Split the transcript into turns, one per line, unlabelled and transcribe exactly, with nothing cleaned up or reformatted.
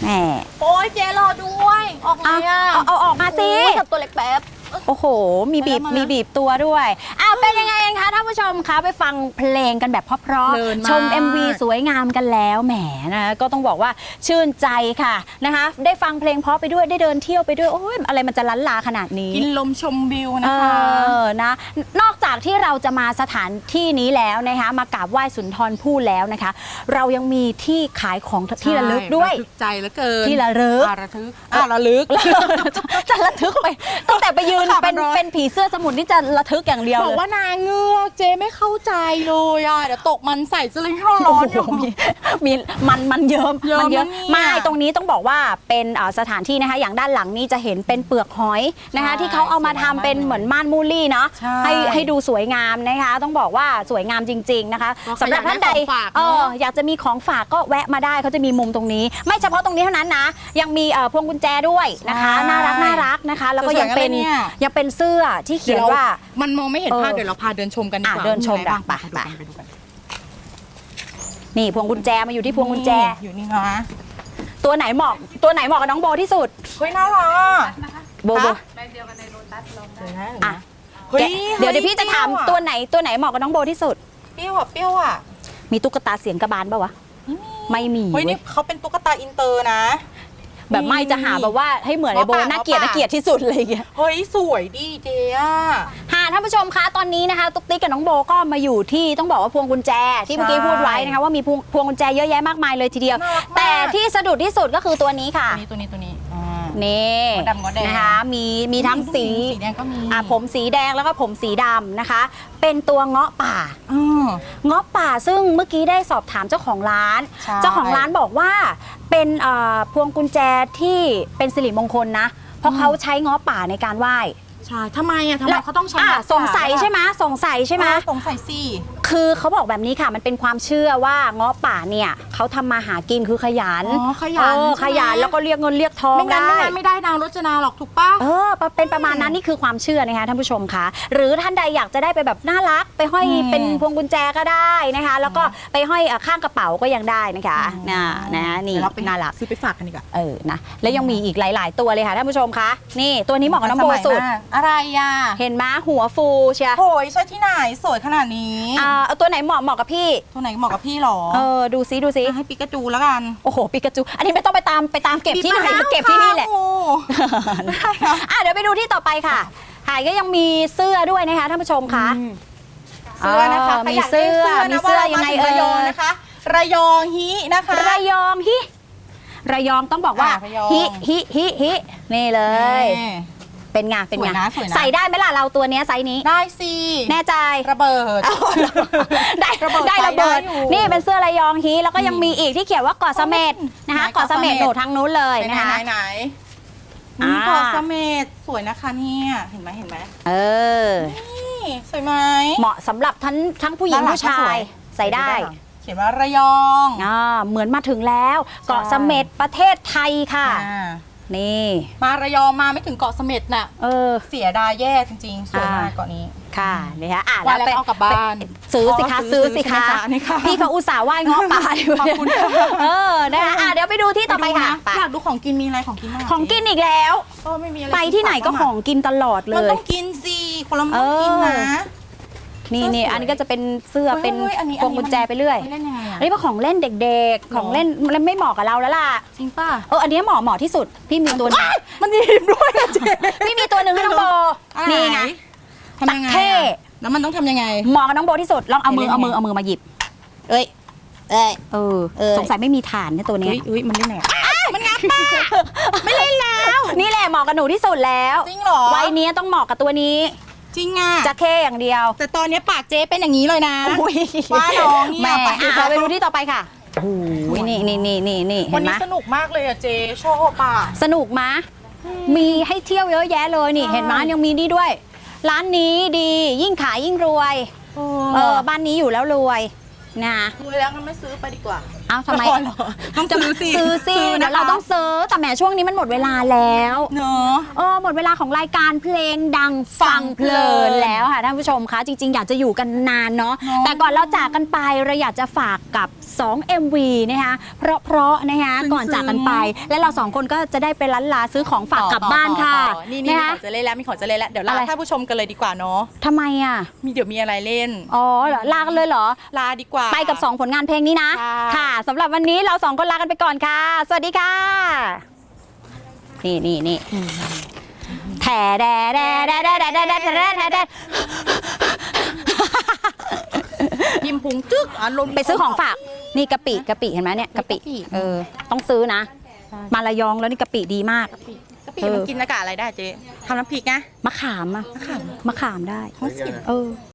แหม
โอ้ยเจ๊รอด้วยออกเลยอ่ะ
เอาเอาออกมาสิ
จับตัวเล็กแป๊บ
โอ้โหมีบีบมีบีบตัวด้วยอ้าวเป็นยังไงกันคะท่านผู้ชมคะไปฟังเพลงกันแบบเพราะๆชม เอ็ม วี สวยงามกันแล้วแหมนะก็ต้องบอกว่าชื่นใจค่ะนะคะได้ฟังเพลงเพราะไปด้วยได้เดินเที่ยวไปด้วยโอ้ยอะไรมันจะล้านลาขนาดนี้
กินลมชมวิวนะคะ
เออนะนอกจากที่เราจะมาสถานที่นี้แล้วนะคะมากราบไหว้สุนทรภู่แล้วนะคะเรายังมีที่ขายของที่ระลึกด้วย
ระทึกใจเหลือเกิน
ที่ระลึก
ระทึกอ่ะระลึก
จะระทึกไปตั้งแต่ไปยืนเป็นเป็นผีเสื้อสมุทรนี่จะระทึกอย่างเดียว
บอกว่านางเงือกเจ๊ไม่เข้าใจเลยอ่ะเดี๋ยวตกมันใส่จะเลยให้ร้อนอยู่
มีมันมันเยิ้มมันเยอะไม่ตรงนี้ต้องบอกว่าเป็นสถานที่นะคะอย่างด้านหลังนี้จะเห็นเป็นเปลือกหอยนะคะที่เขาเอามาทำเป็นเหมือนม่านมูลลี่เนาะให้ให้ดูสวยงามนะคะต้องบอกว่าสวยงามจริงๆนะคะสำหรับท่านใดเอออยากจะมีของฝากก็แวะมาได้เขาจะมีมุมตรงนี้ไม่เฉพาะตรงนี้เท่านั้นนะยังมีพวงกุญแจด้วยนะคะน่ารักน่ารักนะคะแล้วก็ยังเป็นยังเป็นเสื้อที่เขียนว่า
มันมองไม่เห็นภาพเดี๋ยวเราพาเดินชมกันดีกว่า
เดินชมกันไปไปนี่พวงกุญแจมาอยู่ที่พวงกุญแจ
อยู่นี่นะ
ตัวไหนเหมาะตัวไหนเหมาะกับน้องโบที่สุด
เฮ้ยน่ารัก
โบโบแบรนด์เดียวกันในโลตัสลองได้อ่ะเดี๋ยวเดี๋ยวพี่จะถามตัวไหนตัวไหนเหมาะกับน้องโบที่สุด
เปรี้ยวอ่ะเปรี้ยวอ่ะ
มีตุ๊กตาเสียงกระบาลป่าวะไม่มี
เฮ้ยนี่เขาเป็นตุ๊กตาอินเตอร์นะ
แบบไม่จะหาแบบว่าให้เหมือนไอโบน่าเกลียดน่าเกลียดที่สุดเลยเงี้ย
เฮ้ยสวยดีเจ๊อ่ะ
ค่ะท่านผู้ชมคะตอนนี้นะคะตุ๊กติ๊กกับน้องโบก็มาอยู่ที่ต้องบอกว่าพวงกุญแจที่เมื่อกี้พูดไว้นะคะว่ามีพวงพวงกุญแจเยอะแยะมากมายเลยทีเดียวแต่ที่สะดุดที่สุดก็คือตัวนี้ค่ะ
ตัวนี้ตัวนี้
นี่นะคะมีมีทั้งสี
สีแดงก็มี
อ่ะผมสีแดงแล้วก็ผมสีดำนะคะเป็นตัวเงาะป่าเงาะป่าซึ่งเมื่อกี้ได้สอบถามเจ้าของร้านเจ้าของร้านบอกว่าเป็นพวงกุญแจที่เป็นสิริมงคลนะเพราะเขาใช้เงาะป่าในการไหว้
ใช่ทำไมอ่ะทำไมเขาต้องใช้
สงสัยใช่ไหมสงสัยใช่ไหม
สงสัยสิ
คือเขาบอกแบบนี้ค่ะมันเป็นความเชื่อว่าเงาะป่าเนี่ยเขาทำมาหากินคือขยัน
อ๋อขยัน
ขยันแล้วก็เรียกเงินเรียกทองได้
ไม่งั้นไม่ได้นางรจนาหรอกถูกป่ะ
เออเป็นประมาณนั้นนี่คือความเชื่อนะคะท่านผู้ชมคะหรือท่านใดอยากจะได้ไปแบบน่ารักไปห้อยเป็นพวงกุญแจก็ได้นะคะแล้วก็ไปห้อยข้างกระเป๋าก็ยังได้นะคะนะนะนี่น่ารัก
ซื้อไปฝากกันดีกว่า
เออนะแล้วยังมีอีกหลายๆตัวเลยค่ะท่านผู้ชมคะนี่ตัวนี้เหมาะกับน้องโบสุด
อะไรอ่ะ
เห็นไหมหัวฟูเชีย
โอ้ยใช่ที่ไหนสวยขนาดนี้
อ่าเอาตัวไหนเหมาะเหมาะกับพี่
ตัวไหนเหมาะกับพี่หรอ
เออดูซิดูซิ
ให้ปิกาจูแล้วกัน
โอ้โหปิกาจูอันนี้ไม่ต้องไปตามไปตามเก็บที่ไหนเก็บที่นี่แหละอ่ะเดี๋ยวไปดูที่ต่อไปค่ะหายก็ยังมีเสื้อด้วยนะคะท่านผู้ชมคะ
เสื้อนะคะ
มีเสื้อมีเสื้อยังไงเอ่ย
นะคะระยองฮินะคะ
ระยองฮิระยองต้องบอกว่าฮิฮิฮิฮินี่เลยเป็นไงเป็นไงใส่ได้ไหมล่ะเราตัวนี้ไซส์นี้
ได้สิ
แน่ใจ
ระเบิด
ได้ระเบิดได้ระเบิดนี่เป็นเสื้อระยองฮีแล้วก็ยังมีอีกที่เขียนว่าเกาะเสม็ดนะคะเกาะเสม็ดโหนดทางนู้นเลยนะคะ
ไหนไหนนี่เกาะเสม็ดสวยนะคะเนี่ยเห็นไหมเห็นไหม
เออ
นี่สวยไหม
เหมาะสำหรับทั้งทั้งผู้หญิงผู้ชายใส่ได้
เขียนว่าระยอง
อ่าเหมือนมาถึงแล้วเกาะเสม็ดประเทศไทยค่ะนี่
มาระยองมาไม่ถึงเกาะเสม็ดน่ะ
เออ
เสียดายแย่จริงๆสวยมากเกาะนี้
ค่ะนี่ค่ะอ่ะ
แล้วไปเอากลับบ้าน
ซื้อสิคะซื้อสิคะพี่เขาอุตส่าห์ไหว้ง้อป่าอยู่เออนะคะอ่ะเดี๋ยวไปดูที่ต่อไปค่ะ
อยากดูของกินมีอะไรของกินบ้าง
ของกินอีกแล้วไปที่ไหนก็ของกินตลอดเลย
มันต้องกินสิคนละมันต้องกินนะ
นี่นี่อันนี้ก็จะเป็นเสื้อเป็นพวงกุญแจไปเรื่อยอันนี้เป็นของเล่นเด็กๆของเล่นมันไม่เหมาะกับเราแล้วล่ะ
จริงป่ะ
เอออันนี้เหมาะเหมาะที่สุดพี่มีตัวนึง
มันหยิบด้วยเจ๊
พี่มีตัวหนึ่งให้น้องโบนี่ไง
ทำยังไงแล้วมันต้องทำยังไง
เหมาะกับน้องโบที่สุดลองเอามือเอามือเอามือมาหยิบเอ้ยเอ้ยเออสงสัยไม่มีฐานเนี่ยตัวนี้
อุ้ยมันเล่นไหนมันงับป้าไม่เล่นแล้ว
นี่แหละเหมาะกับหนูที่สุดแล้ว
จริงเหรอ
วัยนี้ต้องเหมาะกับตัวนี้
จริงอ่ะ
จะแค่อย่างเดียว
แต่ตอนนี้ปากเจ๊เป็นอย่างนี้เลยนะ
ว่าน้องแม่ไปดูที่ต่อไปค่ะโอ้ยนี่นี่นี่นี่นี่
เห็นไหมวันนี้สนุกมากเลยอ่ะเจ๊ชอบป่ะ
สนุกมะมีให้เที่ยวเยอะแยะเลยนี่เห็นไหมยังมีนี่ด้วยร้านนี้ดียิ่งขายยิ่งรวยเออบ้านนี้อยู่แล้วรวยนะ
รวยแล้วงั้นไม่ซื้อไปดีกว่า
เอ้าทำไม
ต้องซื้อสิ
ซื้อสิเดี๋ยวเราต้องซื้อแต่แหมช่วงนี้มันหมดเวลาแล้ว
เนอะ
เออหมดเวลาของรายการเพลงดังฟังเพลินแล้วค่ะท่านผู้ชมคะจริงๆอยากจะอยู่กันนานเนาะแต่ก่อนเราจากกันไปเราอยากจะฝากกับสอง เอ็ม วี นะคะเพราะๆนะคะก่อนจากกันไป และเราสองคนก็จะได้ไปล้านลาซื้อของฝากกลับบ้านค่ะ
นี่นี่
นะ
มี
คะ
ของจะเล่นแล้วมีของจะเล่นแล้วเดี๋ยวลา
อะไร
ท่านผู้ชมกันเลยดีกว่าเนาะ
ทำไมอ่ะ
มีเดี๋ยวมีอะไรเล่น
อ๋อเหรอลากันเลยเหรอ
ลาดีกว่า
ไปกับสองผลงานเพลงนี้นะ
ค่ะ
ค่ะสำหรับวันนี้เราสองคนลากันไปก่อนค่ะ สวัสดีค่ะ นี่นี่นี่แถแดแดแดแดแดแดแดแดแดแด
ยิ้มพุงจึ๊กอ่ะลน
ไปซื้อของฝาก นี่กะปิกะปิเห็นไหมเนี่ยกะปิ
กะปิ
เออต้องซื้อนะ มาระยองแล้วนี่กะปิดีมาก
กะปิกะปิมันกินอากาศอะไรได้เจ๊ทำน้ำพริกนะ
มะขามอะมะขามได้
ท้องเสีย
เออ